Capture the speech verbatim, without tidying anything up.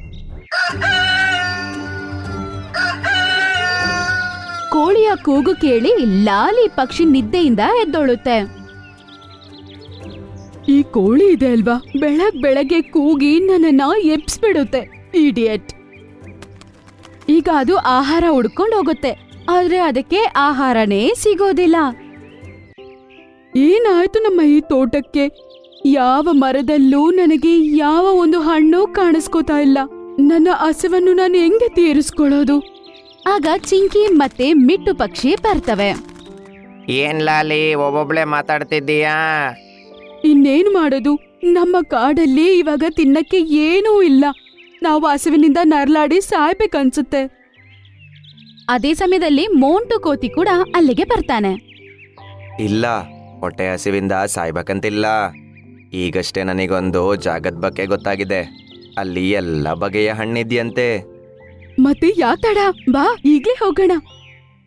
ಕೋಳಿಯ ಕೂಗು ಕೇಳಿ ಲಾಲಿ ಪಕ್ಷಿ ನಿದ್ದೆಯಿಂದ ಎದ್ದೊಳುತ್ತೆ. ಈ ಕೋಳಿ ಇದೆ ಅಲ್ವಾ, ಬೆಳಗ್ ಬೆಳಗ್ಗೆ ಕೂಗಿ ನನ್ನನ್ನ ಎಬ್ಸ್ಬಿಡುತ್ತೆ, ಇಡಿಯಟ್. ಈಗ ಅದು ಆಹಾರ ಹುಡ್ಕೊಂಡು ಹೋಗುತ್ತೆ, ಆದ್ರೆ ಅದಕ್ಕೆ ಆಹಾರನೇ ಸಿಗೋದಿಲ್ಲ. ಏನಾಯ್ತು ನಮ್ಮ ಈ ತೋಟಕ್ಕೆ? ಯಾವ ಮರದಲ್ಲೂ ನನಗೆ ಯಾವ ಒಂದು ಹಣ್ಣು ಕಾಣಿಸ್ಕೋತಾ ಇಲ್ಲ. ನನ್ನ ಹಸಿವನ್ನು ನಾನು ಹೆಂಗೆ ತೀರಿಸ್ಕೊಳ್ಳೋದು? ಆಗ ಚಿಂಕಿ ಮತ್ತೆ ಮಿಟ್ಟು ಪಕ್ಷಿ ಬರ್ತವೆ. ಏನ್ ಲಾಲಿ ಒಬ್ಬೊಬ್ಳೆ ಮಾತಾಡ್ತಿದ್ದೀಯಾ? ಇನ್ನೇನು ಮಾಡೋದು, ನಮ್ಮ ಕಾಡಲ್ಲಿ ಇವಾಗ ತಿನ್ನಕ್ಕೆ ಏನೂ ಇಲ್ಲ. ನಾವು ಹಸಿವಿನಿಂದ ನರಳಾಡಿ ಸಾಯ್ಬೇಕನ್ಸುತ್ತೆ. ಅದೇ ಸಮಯದಲ್ಲಿ ಮೋಂಟು ಕೋತಿ ಕೂಡ ಅಲ್ಲಿಗೆ ಬರ್ತಾನೆ. ಇಲ್ಲ, ಹೊಟ್ಟೆ ಹಸಿವಿಂದ ಸಾಯ್ಬೇಕಂತಿಲ್ಲ. ಈಗಷ್ಟೇ ನನಗೊಂದು ಜಾಗದ ಬಗ್ಗೆ ಗೊತ್ತಾಗಿದೆ. ಅಲ್ಲಿ ಎಲ್ಲ ಬಗೆಯ ಹಣ್ಣಿದ್ಯಂತೆ. ಮತ್ತೆ ಯಾತಡ, ಬಾ ಈಗ್ಲೇ ಹೋಗೋಣ.